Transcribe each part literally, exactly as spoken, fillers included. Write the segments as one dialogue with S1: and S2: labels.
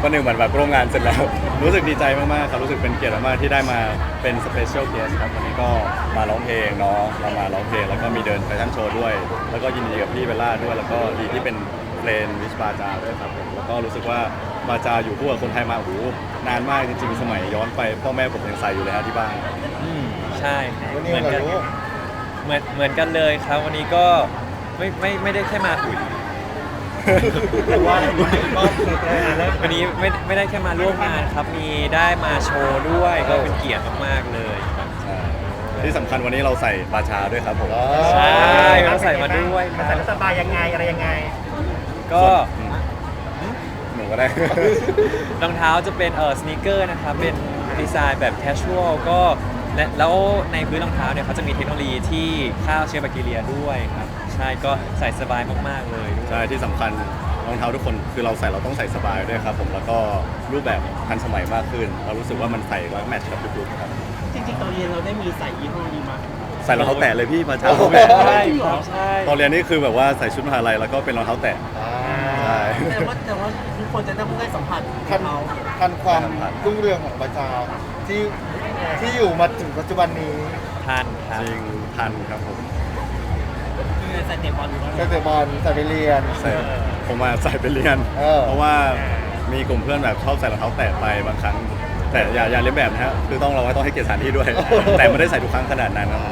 S1: วันหนึ่งเหมือนแบบร่วมงานเสร็จแล้วรู้สึกดีใจมากๆครับรู้สึกเป็นเกียรติมากๆที่ได้มาเป็นสเปเชียลเกสครับวันนี้ก็มาร้องเพลงเนาะเรามาร้องเพลงแล้วก็มีเดินแฟชั่นโชว์ด้วย แล้วก็ยินดีกับพี่เบลล่าด้วยแล้วก็ดีที่เป็นเพลงวิชบาจาด้วยครับผมแล้วก็รู้สึกว่าบาจาอยู่คู่กับคนไทยมาโอ้โหนานมากจริงๆสมัยย้อนไปพ่อแม่ผมยังใส่อยู่เลยฮะที่บ้าน
S2: อืมใช่ครับ
S3: วันนี้
S2: เหมือน
S3: เรา
S2: กัน
S3: รู้
S2: เหมือนเหมือนกันเลยครับ วันนี้ก็ไม่ไม่ไม่ได้แค่มาอุ่น
S3: ว่าก็
S2: วันนี้ไม่ไม่ได้แค่มาร่วมงานครับมีได้มาโชว์ด้วยก็เป็นเกียรติมากๆเลยครับ
S1: ใช่ที่สำคัญวันนี้เราใส่บาชาด้วยครับผม
S2: ใช่เราใส่มาด้วยค
S4: มา
S2: รับ
S4: ใส่แล้วสบายยังไงอะไรยังไง
S2: ก็
S1: อืมหนูก็ได้
S2: รองเท้าจะเป็นเออสนีกเกอร์นะครับเป็นดีไซน์แบบแคชชวลก็และแล้วในพื้นรองเท้าเนี่ยเขาจะมีเทคโนโลยีที่ฆ่าเชื้อแบคทีเรียด้วยครับใช่ก็ใส่สบายมากๆเลยด้วย
S1: ใช่ที่สำคัญรองเท้าทุกคนคือเราใส่เราต้องใส่สบายด้วยครับผมแล้วก็รูปแบบทันสมัยมากขึ้น เรารู้สึกว่ามันใส่แล้วแมทช์กับทุกลุคครับ
S4: จริงๆตอนเรียนเราได้มีใส่ยี่ห้อนี้มา
S1: ใส่รองเท้าแตะเลยพี่มาเช้า
S3: โอ้โห
S2: ใช่ครับใช่
S1: ตอนเรียนนี่คือแบบว่าใส่ชุดมหาลัยแล้วก็เป็นรองเท้าแตะ
S3: อ่า
S1: ใช่
S4: แต่ว่าแต่ว่าทุกคนจะต้องได้สัมผัส
S3: ทัน
S4: เขา
S3: ทันความรุ่งเรืองของประชาที่ที่อยู่มาถึงปัจจุบันนี้
S2: ทานครับ
S1: จริงทันครับผม
S4: คือใส่เตะบอลอยู่แล้ว
S3: ใส่เตะบอลใส่ไปเรียน
S1: ใส่ผมมาใส่ไปเรียน
S3: เออ
S1: เพราะว่ามีกลุ่มเพื่อนแบบชอบใส่รองเท้าแตะไปบางครั้ง แต่อย่าอย่าเลียนแบบนะฮะคือต้องเราก็ต้องให้เกียรติสถานที่ด้วย แต่ไม่ได้ใส่ทุกครั้งขนาดนั้นนะ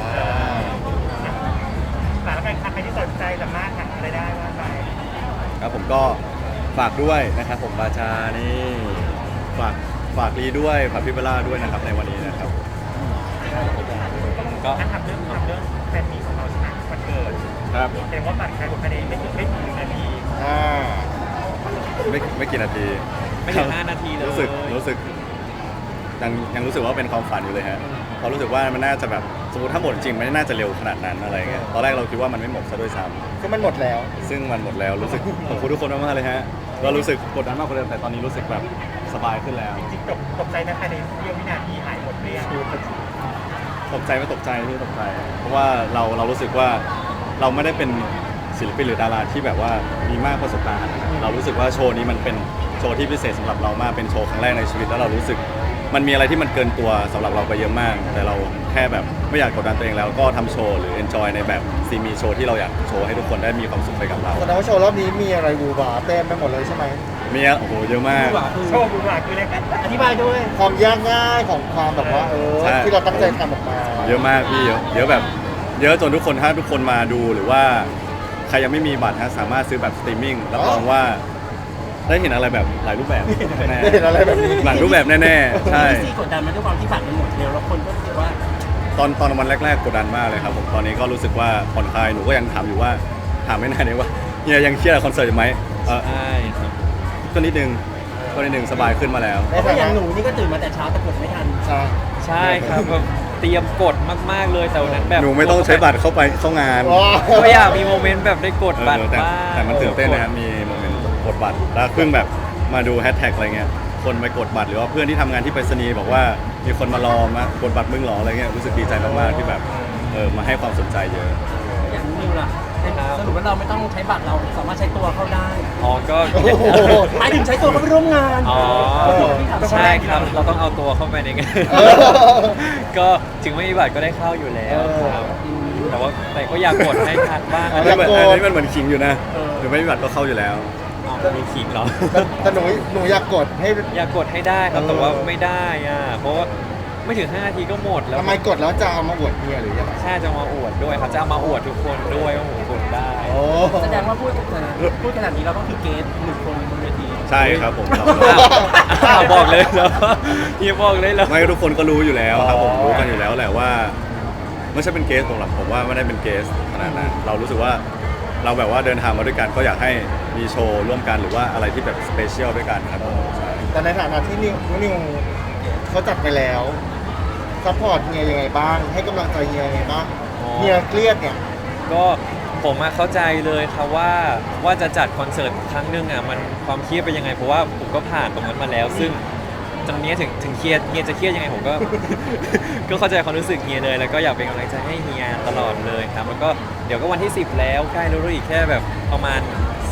S4: แต่แล้วกันใครที่สนใจสามารถหาอะไรได้ว่าไป
S1: ครับผมก็ฝากด้วยนะครับผมบาชานี่ฝากฝากลีด้วยฝากพี่เบลล่าด้วยนะครับในวันนี้นะครับ
S2: ก็
S4: ถ้าทำเรื่องทำเรื่องแฟนมีของเราใช่ไหมวันเกิด
S1: ครับ
S4: แสดงว่าบัตรใครคนคะแนนไม่ถึงไม่ถึงหนึ่งนาที
S3: อ่า
S1: ไม่ไม่กี่นาที
S2: ไม่ถึงห้านาทีเลย
S1: รู้สึกรู้สึกยังยังรู้สึกว่าเป็นความฝันอยู่เลยฮะเพราะรู้สึกว่ามันน่าจะแบบสมมติถ้าหมดจริงมันน่าจะเร็วขนาดนั้นอะไรเงี้ยตอนแรกเราคิดว่ามันไม่หมดซะด้วยซ้
S3: ก็มันหมดแล้ว
S1: ำซึ่งมันหมดแล้วรู้สึกขอบคุณทุกคนมากๆเลยฮะก็รู้สึกกดดันมากกว่าเดิมแต่ตอนนี้รู้สึกแบบสบายขึ้นแล้ว
S4: จริงๆตกตกใจนะภายในเสี้ยววินาทีหายหมดเรียง
S1: ตกใจไม่ตกใจไม่ตกใจ เพราะว่าเราเรารู้สึกว่าเราไม่ได้เป็นศิลปินหรือดาราที่แบบว่ามีมากประสบการณ์นะเรารู้สึกว่าโชว์นี้มันเป็นโชว์ที่พิเศษสำหรับเรามากเป็นโชว์ครั้งแรกในชีวิตแล้วเรารู้สึก มันมีอะไรที่มันเกินตัวสำหรับเราไปเยอะมาก แต่เราแค่แบบไม่อยากกดดันตัวเองแล้วก็ทำโชว์หรือ enjoy ในแบบซีมีโชว์ที่เราอยากโชว์ให้ทุกคนได้มีความสุขไปกับเรา
S3: แสดงว่าโชว์รอบนี้มีอะไรบูบาเต็มไปหมดเลยใช่ไหม
S1: มีอะโอ้โหเยอะมาก
S4: โชว์บุญหลาคืออะไรกันอธิบายด้วย
S3: ความยากง่ายของความแบบว่าเออ
S1: ใช่
S3: ที่เราตั้งใจทำออกมา
S1: เยอะมากพี่เยอะเยอะแบบ เยอะจนทุกคนถ้าทุกคนมาดูหรือว่าใครยังไม่มีบัตรฮะสามารถซื้อแบบสตรีมมิ่งรับรองว่าได้เห็นอะไรแบบหลายรูปแบบแน่
S3: ได้เห็นอะไรแบบนี้
S1: หลายรูปแบบแน่ๆใช่
S4: ซีกดดันมันด้วยความที่บัตรมันหมดเร็วแล้วคนก็รู้สึกว่า
S1: ตอนตอนวันแรกๆกดดันมากเลยครับผมตอนนี้ก็รู้สึกว่าผ่อนคลายหนูก็ยังถามอยู่ว่าถามไม่นานเลยว่าเฮียยังเครียดกับคอนเสิร์ตอยู่ไหมเออ
S2: ใช่ครับ
S1: ก็นิดนึงก็นิดนึงสบายขึ้นมาแล้ว
S3: ใน
S4: เพราะ
S3: ฐา
S4: อย่าง
S3: นะ
S4: หนูนี่ก็ตื่นมาแต่เช้าแต่กดไม่ทัน
S3: ใช่
S2: ใช่ครับแบบเตรียมกดมากๆเลยแต่วันนั้นแบบ
S1: หนูไม่ต้องใช้บัตรเข้าไปเข้างาน
S3: ว้าว
S2: ก็อยากมีโมเมนต์แบบได้กดบัตร
S1: เออแต่
S2: บ้าง
S1: แต่มันตื่นเต้นนะครับมีโมเมนต์กดบัตรแล้วเพิ่งแบบมาดูแฮชแท็กอะไรเงี้ยคนไปกดบัตรหรือว่าเพื่อนที่ทำงานที่ไปรษณีย์บอกว่ามีคนมารอมากดบัตรมึงเหรออะไรเงี้ยรู้สึกดีใจมากๆที่แบบเออมาให้ความสนใจเยอะ
S4: อย่างนิวล่ะสรุปว่าเราไม่ต้องใช้บัตรเราสามารถใช้ตัวเข้าได้
S2: อ๋อก็
S3: โอ้โห
S4: หมายถึงใช้ตัวเข้าไปร่วมงาน
S2: อ๋อ
S3: เออ
S2: ใช่ครับเราต้องเอาตัวเข้าไปในงาน
S3: เออ
S2: ก็ถึงไม่มีบัตรก็ได้เข้าอยู่แล้วครับแต่ว่าแต่ก็อยากกดให้ทันบ้าง
S1: อัน
S2: นะ
S1: นี้เหมือน
S3: อยากกด
S1: อันนี้มันเหมือนขิงอยู่นะหรือไม่มีบัตรก็เข้าอยู่แล้ว
S2: อ๋อมีขิงเหรอ
S3: แต่แต่หนูหนูอยากกดให้
S2: อยากกดให้ได้ครับแต่ว่าไม่ได้อ่ะเพราะว่าไม่ถึงห้านาทีก็หมดแล้ว
S3: ทำไมกดแล้วจะเอามาอวดเมียหรือยังไง
S2: ใช่จะมาอวดด้วยครับจะเอามาอวดทุกคนด้วยว่าผมกดได้
S3: โอ้
S4: แสดงว่าพูดพูดขนาดนี้เราต้องคือเกสหนึ่งคนบนเวที
S1: ใช่ครับผมครับ
S2: อ้าวอ้าวบอกเลยเหรอเฮียบอกเลยเหรอ
S1: ไม่ทุกคนก็รู้อยู่แล้วครับผมรู้กันอยู่แล้วแหละว่าไม่ใช่เป็นเกสผมหรอกผมว่าไม่ได้เป็นเกสขนาดนั้นเรารู้สึกว่าเราแบบว่าเดินทางมาด้วยกันก็อยากให้มีโชว์ร่วมกันหรือว่าอะไรที่แบบสเปเชียลด้วยกันครับผมใช่
S3: แต่ในฐานะที่นิวนิวเขาจัดไปแล้วซัพพอร์ตเฮียยังไงบ้าง ให้กำลังใจเฮียยังไงบ้าง
S2: อ๋อ
S3: เฮียเครียดเนี่ย
S2: ก็ผมมาเข้าใจเลยครับว่าว่าจะจัดคอนเสิร์ตครั้งหนึ่งอ่ะมันความเครียดเป็นยังไงเพราะว่าผมก็ผ่านตรงนั้นมาแล้ว ซึ่งตรงนี้ถึงถึงเครียดเฮียจะเครียดยังไงผมก็ ก็เข้าใจความรู้สึกเฮียเลย แล้วก็อยากเป็นกำลังใจให้เฮียตลอดเลยครับแล้วก็เดี๋ยวก็วันที่สิบแล้วใกล้แล้วอีกแค่แบบประมาณสิบ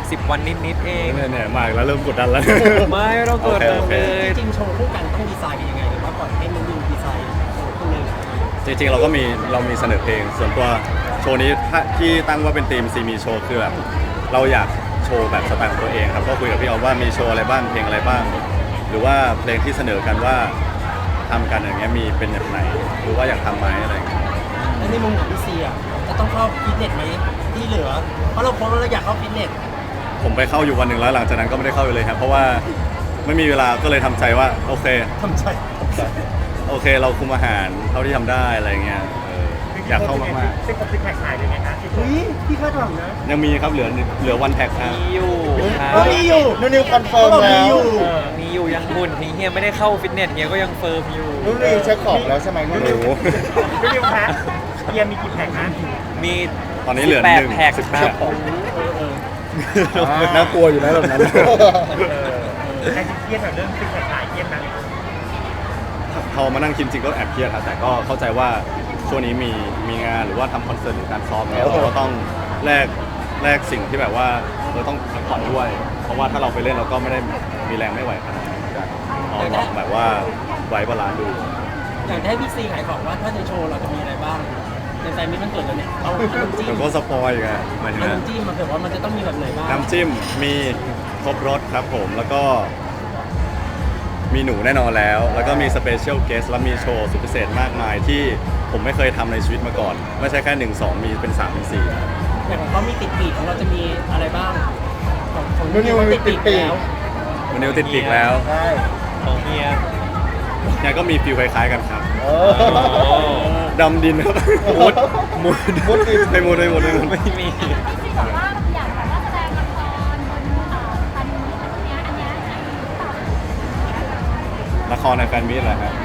S2: สิบวันนิดๆเอง
S1: เนี่ยเนี่ยมาอีกแล้วเริ่มกดดันแล้ว
S2: ไม่ไม่ต้องกดดัน
S1: โอเค
S2: เลย
S4: จริงๆโชว์คู่กันต้องดีไซน์กันยังไงหรือว่าปล่อยให้นุ่นนิวดีไซน์โชว์คู่เลย
S1: จริงๆเราก็มีเรามีเสนอเพลง ส่วนตัวโชว์นี้ถ้าที่ตั้งว่าเป็นธีมซีมีโชว์คือแบบเราอยากโชว์แบบสไตล์ของตัวเองครับก็คุยกับพี่ออฟว่ามีโชว์อะไรบ้างเพลงอะไรบ้าง หรือว่าเพลงที่เสนอกันว่าทำกันอย่างเงี้ยมีเป็นแบบไหน หรือว่าอยากทำไหมอะไรอย่างเงี้ย
S4: แล้วในมุมของพี่ซีอ่ะจะต้องเข้าฟิตเนสไหมที่เหลือ เพราะเราโพสต์ว่าเราอยากเข้าฟิตเนส
S1: ผมไปเข้าอยู่วันหนึ่งแล้วหลังจากนั้นก็ไม่ได้เข้าอยู่เลยครับเพราะว่าไม่มีเวลาก็เลยทำใจว่าโอเค
S4: ทำใจ
S1: โอเคเราคุมอาหารเท่าที่ทำได้อะไรเงี้ยเอออยากเข้ามาก
S3: เป็นคนเป็นแขกขายเลยไงคะ
S4: เฮ้ยพี่คาดหวังนะ
S1: ๆยังมีครับเหลือเหลือวันแท็กครับ
S2: มีอยู่ครับ
S4: ก็มีอยู่
S3: นุ่นนิวคอนเฟิร์ม
S4: เขาบอกมี
S3: แล้
S4: อ
S3: ว
S4: ยู่
S2: เออมีอยู่ยังหุ่นถึงเฮียไม่ได้เข้าฟิตเนสเฮียก็ยังเฟิร์มอยู่
S3: นุ่นนิวเช็คของแล้วใช่ไหมนุ่นนิว
S1: โอ้โห
S3: นุ่นนิวคะเฮียมีกี่แพ็คนะ
S2: มี
S1: ตอนนี้เหลือ
S2: สิบแปด
S1: หนึ่ง
S2: แพ็ค
S1: สิบ
S2: ค
S1: แป
S2: รับ
S1: ด
S2: ผม
S1: น่ากลัวอยู่นะแบบนั้น
S3: ใครจะเครียดกับเรื่องเป็นแขกขายเครียดนะ
S1: พอมานั่งคิดจริงก็แอบเครียดครับแต่ก็เข้าใจว่าช่วงนี้มีมีงานหรือว่าทำคอนเสิร์ตหรือการซ้อมเนี่ยเราก็ต้องแลกแลกสิ่งที่แบบว่าเราต้องพักผ่อนด้วย เพราะว่าถ้าเราไปเล่นเราก็ไม่ได้มีแรงไม่ไหวขนาดนั้นเหมือนกันเราลองแบบว่าไว้บาลานซ์ดู
S4: อยากให้พี่ซีขายของว่าถ้าในโชว์เราจะมีอะไรบ้างในแฟนมิตรมันเกิดแล้วเนี่ยเอาขนมจีน
S1: เดี๋ยวก็สปอยล์ไงหมายถึง
S4: ขน
S1: ว่า
S4: มจีนมาเผื่อว่ามันจะต้องมีแบบไหนบ้าง
S1: น้ำจิ้มมีครบรสครับผมแล้วก็มีหนูแน่นอนแล้ว แล้วก็มีสเปเชียลเกสและมีโชว์สุดพิเศษมากมายที่ผมไม่เคยทำในชีวิตมาก่อน ไม่ใช่แค่หนึ่งสองมีเป็นสามเป็นสี่
S4: อย่างของเขามีติดปีกของเราจะมีอะไรบ้างของของ
S3: นุ่นนิวมีติดปีก
S4: แล้ว
S1: วันนี้ติดปีกแล้ว
S3: ใช่
S2: ของเฮีย
S1: เนี่ยก็มีฟิลคล้ายๆกันครับ
S3: เอ
S2: โอ้
S3: อ
S1: ดำดินครับมุดมุด
S3: มุดดิน
S1: ไม่มุดไม่มุดไม่มุด
S2: ไม่มี
S5: ที่บอกว่าอยากแบบว่าแสดงละครบนเอ่อพันนี้ตรงเนี้ยอันเนี้ยไหนตอบ
S1: ละครในแฟนมิตรเหรอครับ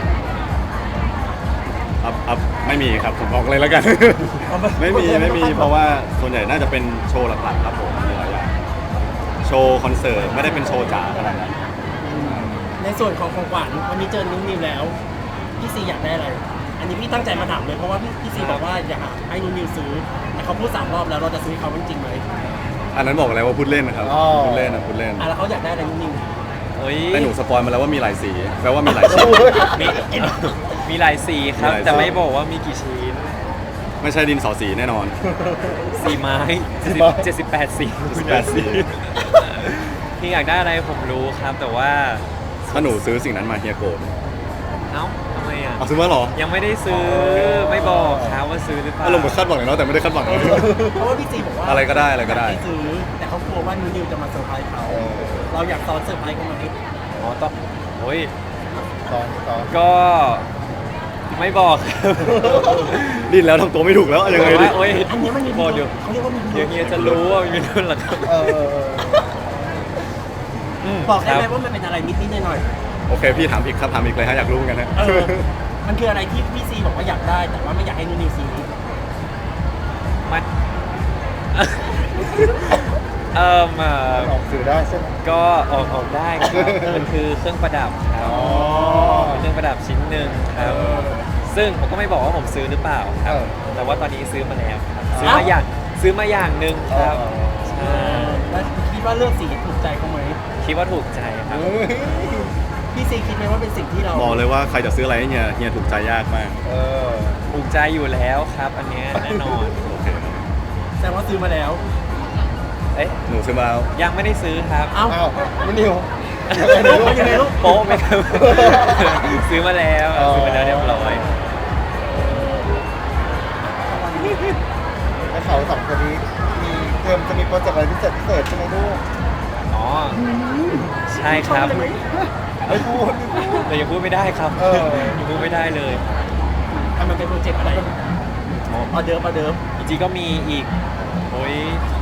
S1: อัพอัพไม่มีครับผมบอกเลยแล้วกัน ไม่มีไม่มีเพราะว่าส่วนใหญ่น่าจะเป็นโชว์หลักๆครับผมมีหลายอย่างโชว์คอนเสิร์ตไม่ได้เป็นโชว์จ๋าขนาดนั้น
S4: ในส่วนของของขวัญวันนี้เจอนุ่นนิวแล้วพี่ซีอยากได้อะไร อันนี้พี่ตั้งใจมาถามเลยเพราะว่าพี่พี่ซีบอกว่าอยากให้นุ่นนิวซื้อแต่เขาพูดสามรอบแล้วเราจะซื้อให้เขาจริงๆไหม
S1: อันนั้นบอกอะไรว่าพูดเล่นนะครับ
S3: อ๋อ
S1: พูดเล่นนะพูดเล่น
S4: อ่ะแล้วเขาอยากได้อะไรนุ่นนิว
S2: เฮ้ย
S1: แต่หนูสปอยมาแล้วว่ามีหลายสีแปลว่ามีหลายชิ้น
S2: มีมีหลายสีครับ
S1: มีหลายสี
S2: แต่ไม่บอกว่ามีกี่ชิ้น
S1: ไม่ใช่ดินสอสีแน่นอน
S2: สีไม้เจ็ดสิบแปดสี
S1: เจ็ดสิบแปดสี
S2: พี่อยากได้อะไรผมรู้ครับ แต่ว่า
S1: ถ้าหนูซื้อสิ่งนั้นมาเฮียโกรธ
S2: เอ้าทำไมอ่ะ
S1: เอาซื้อมาเหรอ
S2: ยังไม่ได้ซื้อไม่บอกครับว่าซื้อหรือเปล่า
S1: อารมณ์เหมือนคาดหวังเลยเนาะแต่ไม่ได้คาดหวังเลย
S4: เพราะว่าพี่ซีบอกว่า
S1: อะไรก็ได้อะไรก็ได้
S4: ยาให้ซื้อแต่เขากลัวว่านุ่นนิวจะมาเซอร์ไพรส์เขา
S3: เออ
S4: เราอยากซ้อนเซอร์ไพรส์เขาไหม
S2: อ๋อต้องโอ้ย
S3: ตอนตอน
S2: ก็ไม่บอกครับ
S1: ดิ้นแล้วทำตัวไม่ถูกแล้วยังไงดิ
S2: โอ้ย
S4: อันนี้มันมี
S2: บอกเดี๋ยว
S4: เขาเรียกว่ามี
S2: เดี๋ยวเฮียจะรู้ว่ามีรุ่นหลัง
S3: เออเออเออ
S2: ม
S4: บอกได้ไหม
S2: ครับ
S4: ว่ามันเป็นอะไรนิดๆหน่อย
S1: โอเคพี่ถามอีกครับถามอีกเลยฮะอยากรู้เหมือนกันฮะ
S4: ๆเออมันคืออะไรที่พี่ซีบอกว่าอยากได้ แต่ว่าไม่อยากให้นุ่นนิวซื้อ
S2: มัน เอ่มเอ่อ
S3: ออกสื่อได้ใช่ไหม
S2: ก็ออกออกได้ครับมันคือเครื่องประดับครับ
S3: อ๋อ
S2: เป็นเครื่องประดับชิ้นหนึ่งครับ ซึ่งผมก็ไม่บอกว่าผมซื้อหรือเปล่าครับ
S3: เออ
S2: แต่ว่าตอนนี้ซื้อมาแล้วครับซื้อมาอย่างซื้อมาอย่างหนึ่งครับ
S3: อ๋อ
S2: ใช่
S4: แล้วคิดว่าเลือกสีถูกใจเขาไหม
S2: คิดว่าถูกใจครับ
S3: เฮ้ย
S4: พี่ซีคิดไหมว่าเป็นสิ่งที่เรา
S1: บอกเลยว่าใครจะซื้ออะไรให้เฮียเฮียถูกใจยากมาก
S3: เออ
S2: ถูกใจอยู่แล้วครับ อันเนี้ยแน่นอน
S1: โอเค
S4: แสดงว่าซื้อมาแล้ว
S2: เอ๊ะ
S1: หนูซื้อมาแล้ว
S2: ยังไม่ได้ซื้อครับ
S4: เอ้า
S3: อ้าวนุ่นนิว
S4: ยังไงลูกยังไงลูก
S2: โป๊ะไหมครับ ซื้อมาแล้ว
S3: อ๋อ
S2: ซื้อมาแล้วเรียบร้อย
S3: แล้วเขาสองคนนี้มีเตรียมจะมีโปรเจกต์อะไรพิเศษพิเศษใช่ไหมลูก
S2: อ๋อ ใช่ครับ
S3: ไม่พูดไม่พูด
S2: แต่ยังพูดไม่ได้ครับ
S3: เออ
S2: ยังพูดไม่ได้เลย
S4: ทำมันเป็นโปรเจกต์อะไรออเดิร์ฟออเดิร์ฟ
S2: จริงๆก็มีอีก โอ้ย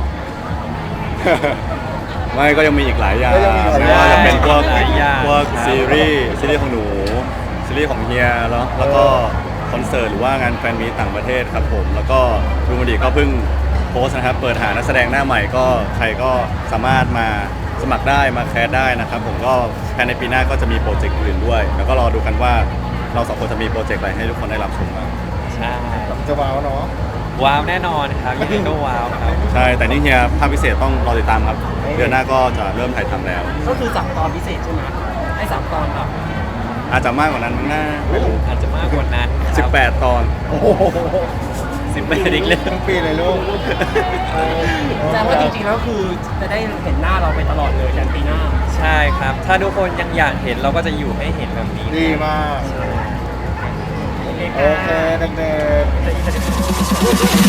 S1: ไม่ก็ยังมีอีกหลายอย่าง
S3: ก็ยังมีหลาย
S1: ไม่ว่าจะเป็นพวก
S2: หลายอย่าง
S1: พวก
S2: ครับ
S1: ซีรีส์ซีรีส์ของหนูซีรีส์ของเฮียแล้วแล้วก็คอนเสิร์ตหรือว่างานแฟนมีตต่างประเทศครับผมแล้วก็ดูมันดีก็เพิ่งโพสต์นะครับเปิดหานักแสดงหน้าใหม่ก็ใครก็สามารถมาสมัครได้มาแคสได้นะครับผมก็ภายในปีหน้าก็จะมีโปรเจกต์อื่นด้วย แล้วก็รอดูกันว่าเราสองคนจะมีโปรเจกต์อะไรให้ทุกคนได้รับชมบ้าง
S2: ใช่
S3: จะว้าวเนาะ
S2: ว้าวแน่นอนครับยังไงก็ว้าวครับ
S1: ใช่แต่นี่เฮียภาคพิเศษต้องรอติดตามครับ เดือนหน้าก็จะเริ่มถ่ายทำแล้ว
S4: ก็คือสามตอนพิเศษใช่ไหมให้สามตอนแบบ
S1: อาจจะมากกว่านั้นมั้งนะไม่รู้
S2: อาจจะมากกว่านั้นครับ
S1: สิบแปดตอน
S3: โอ้โห
S2: สิบแปดอีกเลย
S3: ทั้งปีเลยลูก
S4: แสดงว่าจริงๆแล้วคือจะได้เห็นหน้าเราไปตลอดเลยยันปีหน้า
S2: ใช่ครับ ถ้าทุกคนยังอยากเห็นเราก็จะอยู่ให้เห็นแบบนี้
S3: ดีมาก
S4: โอเค
S3: โอเคเด็กๆ